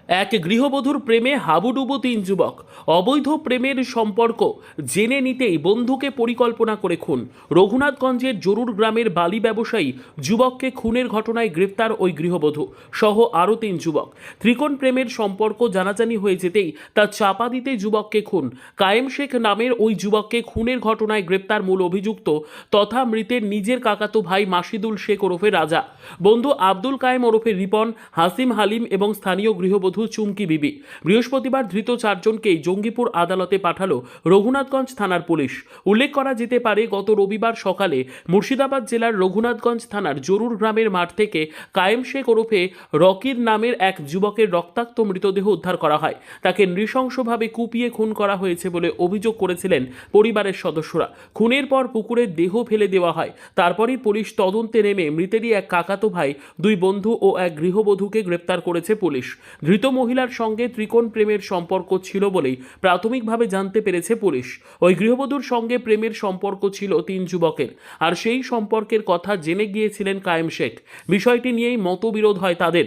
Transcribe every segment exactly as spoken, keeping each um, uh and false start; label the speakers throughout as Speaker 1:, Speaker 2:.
Speaker 1: এক গৃহবধূর প্রেমে হাবুডুবু তিন যুবক। অবৈধ প্রেমের সম্পর্ক জেনে নিতেই বন্ধুকে পরিকল্পনা করে খুন। রঘুনাথগঞ্জের জরুর গ্রামের বালি ব্যবসায়ী যুবককে খুনের ঘটনায় গ্রেপ্তার ওই গৃহবধূ সহ আরও তিন যুবক। ত্রিকোণ প্রেমের সম্পর্ক জানাজানি হয়ে যেতেই তা চাপা দিতে যুবককে খুন। কায়েম শেখ নামের ওই যুবককে খুনের ঘটনায় গ্রেপ্তার মূল অভিযুক্ত তথা মৃতের নিজের কাকাতো ভাই মাসিদুল শেখ ওরফে রাজা, বন্ধু আব্দুল কায়েম ওরফে রিপন, হাসিম হালিম এবং স্থানীয় গৃহবধূ চুমকি বিবি। বৃহস্পতিবার ধৃত চারজনকেই জঙ্গিপুর আদালতে পাঠালো রঘুনাথগঞ্জ থানার পুলিশ। উল্লেখ করা যেতে পারে, গত রবিবার সকালে মুর্শিদাবাদ জেলার রঘুনাথগঞ্জ থানার জরুর গ্রামের মাঠ থেকে কায়েম শেখ ওরফে রকির নামের এক যুবকের রক্তাক্ত মৃতদেহ উদ্ধার করা হয়। তাকে নৃশংসভাবে কুপিয়ে খুন করা হয়েছে বলে অভিযোগ করেছিলেন পরিবারের সদস্যরা। খুনের পর পুকুরে দেহ ফেলে দেওয়া হয়। তারপরই পুলিশ তদন্তে নেমে মৃতেরই এক কাকাতো ভাই, দুই বন্ধু ও এক গৃহবধূকে গ্রেপ্তার করেছে পুলিশ। ধৃত মহিলার সঙ্গে ত্রিকোণ প্রেমের সম্পর্ক ছিল বলেই প্রাথমিকভাবে জানতে পেরেছে পুলিশ। ওই গৃহবধূর সঙ্গে প্রেমের সম্পর্ক ছিল তিন যুবকের, আর সেই সম্পর্কের কথা জেনে গিয়েছিলেন কায়েম শেখ। বিষয়টি নিয়েই মতবিরোধ হয় তাদের।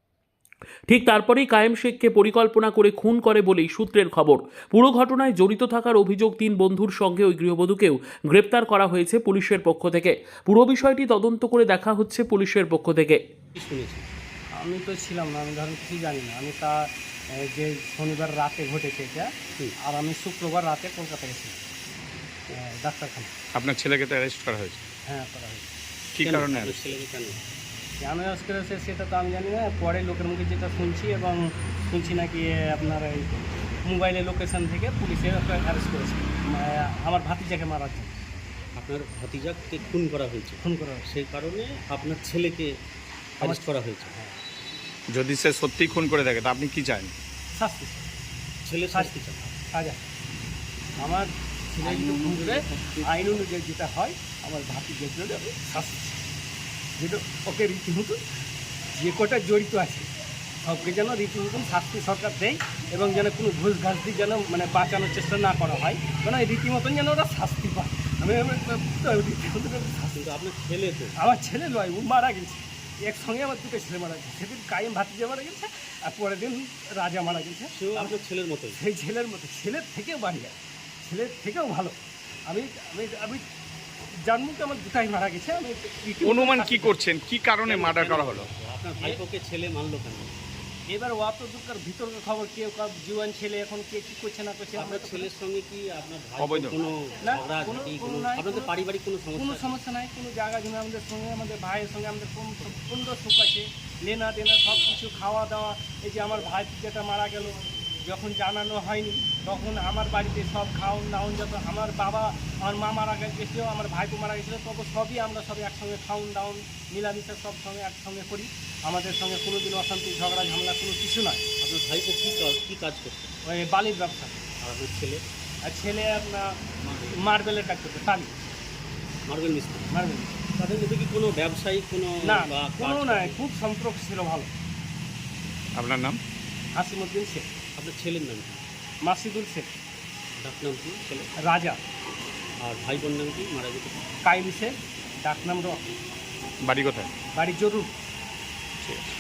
Speaker 1: ঠিক তারপরেই কায়েম শেখকে পরিকল্পনা করে খুন করে বলেই সূত্রের খবর। পুরো ঘটনায় জড়িত থাকার অভিযোগ তিন বন্ধুর সঙ্গে ওই গৃহবধূকেও গ্রেপ্তার করা হয়েছে পুলিশের পক্ষ থেকে। পুরো বিষয়টি তদন্ত করে দেখা হচ্ছে পুলিশের পক্ষ থেকে।
Speaker 2: শুনেছি
Speaker 3: আমি তো ছিলাম না, আমি ধরেন কিছু জানি না। আমি তা এ, যে শনিবার রাতে ঘটেছে এটা, আর আমি শুক্রবার রাতে কলকাতা গেছি ডাক্তারখানা।
Speaker 4: আপনার ছেলেকে তো অ্যারেস্ট করা হয়েছে?
Speaker 3: হ্যাঁ, করা হয়েছে।
Speaker 4: কী
Speaker 2: কেন?
Speaker 4: কারণে
Speaker 2: আপনার ছেলেকে কেন?
Speaker 3: কেন আজ করেছে সেটা তো আমি জানি না। পরে লোকের মুখে যেটা শুনছি, এবং শুনছি নাকি এ, আপনার এই মোবাইলের লোকেশন থেকে পুলিশে অ্যারেস্ট করেছে মানে আমার ভাতিজাকে মারার জন্য।
Speaker 2: আপনার ভাতিজাকে খুন করা হয়েছে,
Speaker 3: খুন করা হয়েছে।
Speaker 2: সেই কারণে আপনার ছেলেকে অ্যারেস্ট করা হয়েছে।
Speaker 3: হ্যাঁ,
Speaker 4: যদি সে সত্যি খুন করে থাকে তা আপনি কি চান?
Speaker 3: শাস্তি
Speaker 2: ছেলে শাস্তি চান?
Speaker 3: সাজা। আমার ছেলে যদি খুন করে আইন অনুযায়ী যেটা হয়, আমার ভাতিজার জন্য আমি শাস্তি চাই। যেটা ওকে রীতিমতো যে কটা জড়িত আছে সবকে যেন রীতিমতন শাস্তি সরকার দেয়, এবং যেন কোনো ঘুষ ঘাস দিয়ে যেন মানে বাঁচানোর চেষ্টা না করা হয়, কারণ এই রীতিমতন যেন ওরা শাস্তি পায়। আমি আমি রীতিমতন শাস্তি।
Speaker 2: কিন্তু আপনার ছেলে তো
Speaker 3: আমার ছেলে নয়, ও মারা গেছে একসঙ্গে। আমার দুটো ছেলে মারা গেছে। সেদিন কায়েম ভাতিজা মারা গেছে, আর পরের দিন রাজা মারা গেছে।
Speaker 2: সেও আপনার ছেলের মতোই?
Speaker 3: সেই ছেলের মতো, ছেলের থেকেও বাড়িয়া, ছেলের থেকেও ভালো। আমি আমি আমি জানবো কি আমার দুটাই মারা গেছে। আমি রীতিমতো
Speaker 4: অনুমান কি
Speaker 3: শাস্তি-
Speaker 4: করছেন কি কারণে মার্ডার করা হলো?
Speaker 2: আপনার ভাইপোকে ছেলে মানলো কেন?
Speaker 3: এবার ও তো দুঃখের ভিতরের খবর, কেউ কার জুয়ান ছেলে এখন কে কি করছে না করছে আমরা
Speaker 2: আপনার
Speaker 3: তো
Speaker 2: ছেলের সঙ্গে কি আপনার ভাই
Speaker 4: অবৈধ?
Speaker 2: কোনো
Speaker 3: না,
Speaker 2: ঝগড়া
Speaker 3: কোনো-
Speaker 2: ঝাঁটি,
Speaker 3: কোনো
Speaker 2: কোনো
Speaker 3: নাই,
Speaker 2: আপনাদের
Speaker 3: কোনো-
Speaker 2: পারিবারিক কোনো
Speaker 3: কোনো
Speaker 2: সমস্যা?
Speaker 3: সমস্যা নাই। কোনো জায়গা জমি আমাদের সঙ্গে, আমাদের ভাইয়ের সঙ্গে আমাদের পূর্ণ সুখ আছে। লেনা দেনা সব কিছু, খাওয়া দাওয়া। এই যে আমার ভাই যেটা মারা গেল, যখন জানানো হয়নি তখন আমার বাড়িতে সব খাওন দাওন, যত আমার বাবা আমার মা মারা গেছিলো, আমার ভাইপো মারা গেছিলো, তবে সবই আমরা সবই একসঙ্গে খাওন দাওন মিলামিশা সব সঙ্গে একসঙ্গে করি। আমাদের সঙ্গে কোনো দিন অশান্তি ঝগড়া ঝামেলা কোনো কিছু নয়।
Speaker 2: আপনার ভাইপো কী কাজ কী কাজ করছে?
Speaker 3: ওই বালির ব্যবসা।
Speaker 2: আর আপনার ছেলে
Speaker 3: আর ছেলে আপনার মার্বেলের কাজ করতে, টালি
Speaker 2: মার্বেল মিস্ত্রি।
Speaker 3: মার্বেল।
Speaker 2: তাদের মধ্যে কি কোনো ব্যবসায়িক কোনো
Speaker 3: না,
Speaker 2: বা
Speaker 3: কোনো
Speaker 2: কাজ-
Speaker 3: নাই, খুব সম্পর্ক ছিল ভালো।
Speaker 4: আপনার নাম?
Speaker 3: হাসিমুদ্দিন শেখ,
Speaker 2: আপনার ছেলের নাম কি?
Speaker 3: মাসিদুল শেখ,
Speaker 2: ডাক নাম কি ছেলে?
Speaker 3: রাজা,
Speaker 2: আর ভাই বোন নাম কি মারা যেতে?
Speaker 3: কাইলি শেখ, ডাকনাম রক,
Speaker 4: বাড়ি কোথায়?
Speaker 3: বাড়ি জরুর।
Speaker 4: ঠিক আছে।